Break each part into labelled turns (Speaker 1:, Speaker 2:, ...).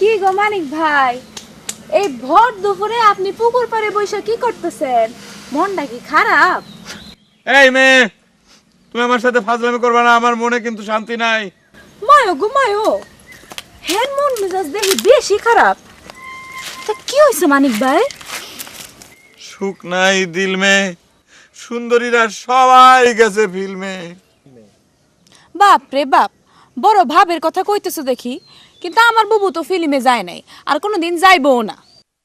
Speaker 1: কি গো মানিক ভাই, এই ভর দুপুরে আপনি পুকুর পাড়ে বসে কি করতেছেন? মনটা কি খারাপ?
Speaker 2: এই মেয়ে, তুমি আমার সাথে ফাজলামি করবে না, আমার মনে কিন্তু শান্তি নাই।
Speaker 1: মায়ো গো মায়ো, হের মন মেজাজ দেখি বেশি খারাপ। তা কি হয়েছে মানিক ভাই?
Speaker 2: সুখ নাই দিল মে, সুন্দরীরা সবাই গেছে ফিল্মে।
Speaker 1: বাপ রে বাপ, বড় ভাবের কথা কইতেছো দেখি, কিন্তু আমার বুবু তো ফিল্মে যায় নাই, আর কোনোদিন যাইবও না।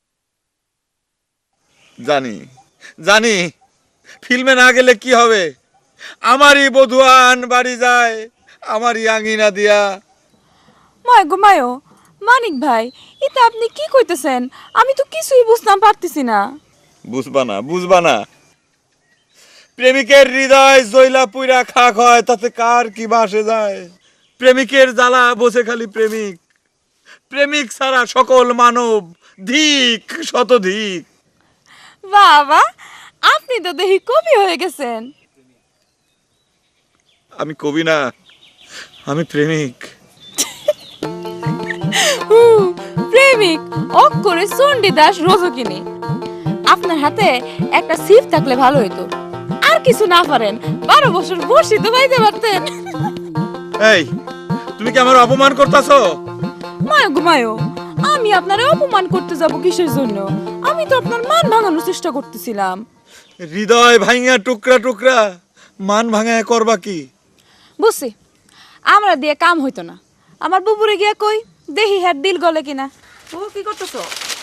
Speaker 2: জানি জানি, ফিল্মে না গেলে কি হবে? আমারই বধুয়ান বাড়ি যায়, আমারই আঙিনা দিয়া।
Speaker 1: মায় গো মায়ো, মানিক ভাই এটা আপনি কি কইতেছেন? আমি তো কিছুই বুঝতাম পারতেছি না।
Speaker 2: বুঝবা না, প্রেমিকের হৃদয় জৈলা পুইরা খাক হয়, তাতে কার কি বাসে যায়? প্রেমিকের জ্বালা বসে খালি প্রেমিক, প্রেমিক ছাড়া সকল মানব ধিক শতধিক।
Speaker 1: বাবা, আপনি তো দেখি কবি হয়ে গেছেন।
Speaker 2: আমি কবি না, আমি প্রেমিক।
Speaker 1: প্রেমিক অক্ষরে চণ্ডীদাস রজকিনী। আপনার হাতে একটা সিপ থাকলে ভালো হইতো, আর কিছু না পারেন 12 বছর বসি তো পাইতে পারতেন।
Speaker 2: এই, তুমি কি আমার অপমান করতেছো?
Speaker 1: মায়ো গো মায়ো, আমি আপনারে অপমান করতে যাব কিসের জন্য? আমি তো আপনার মান ভাঙানোর চেষ্টা করতেছিলাম।
Speaker 2: হৃদয় ভাঙা টুকরা টুকরা, মান ভাঙা করবা কি?
Speaker 1: বুঝছি, আমরা দিয়ে কাম হইতো না। আমার বুবুরে গিয়া কই দেখি হ্যার দিল গলে কিনা।
Speaker 3: ও কি করতেছো?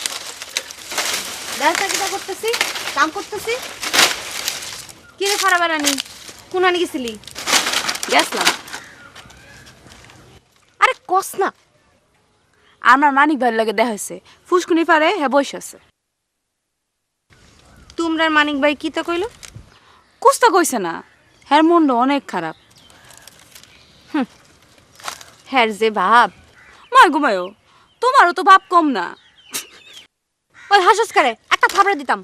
Speaker 3: দাঁড়া কিটা করতেছি, কাম করতেছি। কি রে ফারা বেড়ানি, কোন আনি গেছিলি?
Speaker 1: গেছলাম।
Speaker 3: আরে কস না।
Speaker 1: আমার মানিক ভাইয়ের লাগে দেখা হয়েছে, ফুসকুনি পারে হ্যাঁ বসে আছে।
Speaker 3: তোমরার মানিক ভাই কি তা কইলো?
Speaker 1: কুস্তা কইছে না, হ্যার মনটা অনেক খারাপ।
Speaker 3: হ্যার যে ভাব।
Speaker 1: মায় ঘুমায়ো, তোমারও তো ভাব কম না।
Speaker 3: ওই হাসস করে একটা থাবড়া দিতাম।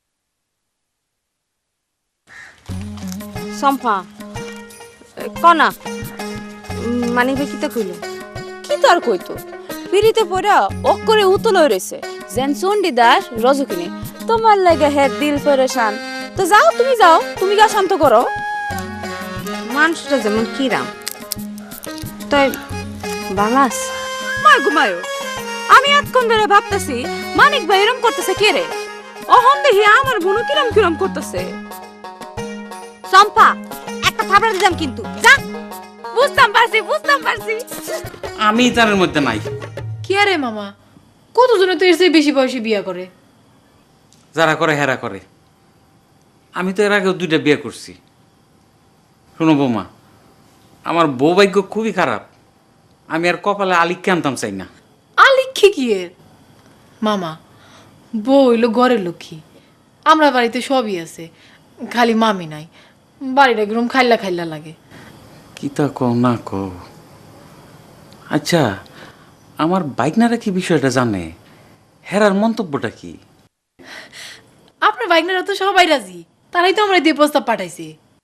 Speaker 3: সম্পা কনা মানিক ভাই কি তা কইলো?
Speaker 1: কি তার কইতো, পিড়িতে পড়া অক্ষরে উতল হয়ে রয়েছে যেন চণ্ডীদাস রজকিনী। তোমার লাগে হ্যাঁ দিল পরেশান। তো যাও, তুমি যাও, তুমি গা শান্ত করো।
Speaker 3: মানুষটা যেমন কিরাম তাই বালাস।
Speaker 1: মায় ঘুমায়ো, আমি এতক্ষণ ধরে ভাবতেছি মানিক ভাই এরম করতেছে কে রে? অহন দেখি আমার বোনও কিরম কিরম করতেছে।
Speaker 3: সম্পা একটা থাবড়া দিতাম কিন্তু যা।
Speaker 1: বুঝতাম পারছি।
Speaker 4: আমি তার মধ্যে নাই।
Speaker 5: কি আরে মামা, কতজনে তো এর চেয়ে বেশি বয়সে বিয়ে করে।
Speaker 4: যারা করে হেরা করে। আমি তো এর আগেও 2টা বিয়ে করছি। শোনো বৌমা, আমার বউ ভাগ্য খুবই খারাপ। আমি আর কপালে আলিককে আনতাম চাই না।
Speaker 5: আলিক্ষী কি এর? মামা, বউ হইলো ঘরের লক্ষ্মী। আমরা বাড়িতে সবই আছে, খালি মামি নাই। বাড়িটা একদম খাইলা খাইলা লাগে।
Speaker 4: কি তা কও না কও। আচ্ছা, আমার বাইকনারা কি বিষয়টা জানে? হেরার মন্তব্যটা কি?
Speaker 5: আপনার বাইকনারা তো সবাই রাজি, তারাই তো আমরা দিয়ে প্রস্তাব পাঠাইছি।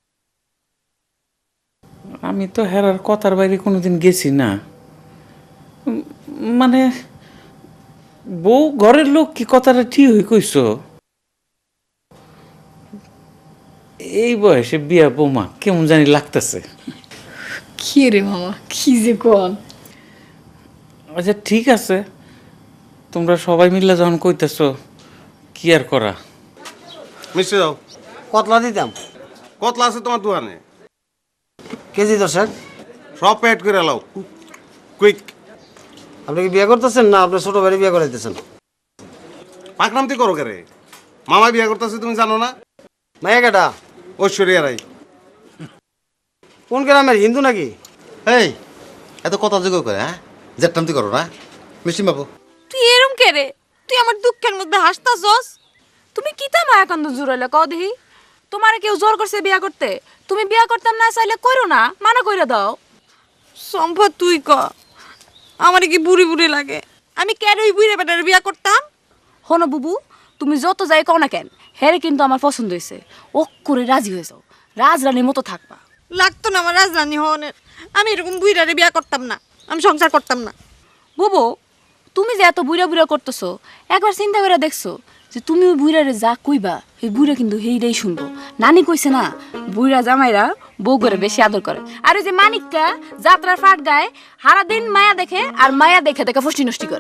Speaker 4: আমি তো হেরার কথার বাইরে কোনোদিন গেছি না। মানে বউ ঘরের লোক কি কথাটা ঠিক হয়ে কইছো? এই বয়সে বিয়া বৌমা কেমন জানি লাগতেছে।
Speaker 5: কি রে মামা, কি যে কোন।
Speaker 4: আচ্ছা ঠিক আছে, তোমরা সবাই মিলে যখন কইতেছো, কি আর করা।
Speaker 6: মিষ্টি দাও।
Speaker 7: কতলা দিতাম?
Speaker 6: কতলা আছে তোমার দোকানে?
Speaker 7: কেজি 10।
Speaker 6: সব প্যাড করে লাও, কুইক।
Speaker 7: আপনি কি বিয়ে করতেছেন না আপনার ছোট ভাই বিয়ে করাইতেছেন?
Speaker 6: পাকনামতি করো কে রে? মামা বিয়ে করতেছে তুমি জানো না?
Speaker 7: মায়া কেটা?
Speaker 6: ঐশ্বরিয়া রাই।
Speaker 7: কোন গ্রামের, হিন্দু নাকি?
Speaker 8: এই এত কথা যোগ করে, হ্যাঁ জেটটান্তি করো না মিষ্টি বাবু।
Speaker 1: তুই এরম কে রে? তুই আমার দুঃখের মধ্যে হাসতাছস। তুমি কিতা মায়াকান্দ জুড়াইলে কও দেখি? তোমারে কেউ জোর করছে বিয়া করতে? তুমি বিয়া করতাম না চাইলে কইরো না, মানা কইরা দাও।
Speaker 3: সম্পা তুই ক, আমার কি বুড়ি বুড়ি লাগে? আমি কেন ওই বুড়ি বেটার বিয়া করতাম?
Speaker 1: হনো বুবু, তুমি যত যাই কও না কেন, হেরে কিন্তু আমার পছন্দ হয়েছে। ও করে রাজি হয়ে যাও, রাজরানীর মতো থাকবা।
Speaker 3: লাগতো না আমার রাজরানী হওয়ানের। আমি এরকম বুড়ারে বিয়া করতাম না, আমি সংসার করতাম না।
Speaker 1: বুবু, তুমি যে এত বুড়া বুড়া করতেছো একবার চিন্তা করে দেখছো যে তুমি ওই বুড়ারে যা কইবা এই বুড়া কিন্তু হেইটাই শুনবো। নানি কইছে না বুড়া জামাইরা বউ করে বেশি আদর করে। আর ওই যে মানিকটা যাত্রার ফাট গায় সারাদিন মায়া দেখে আর মায়া দেখে দেখে ফষ্টি নষ্টি করে।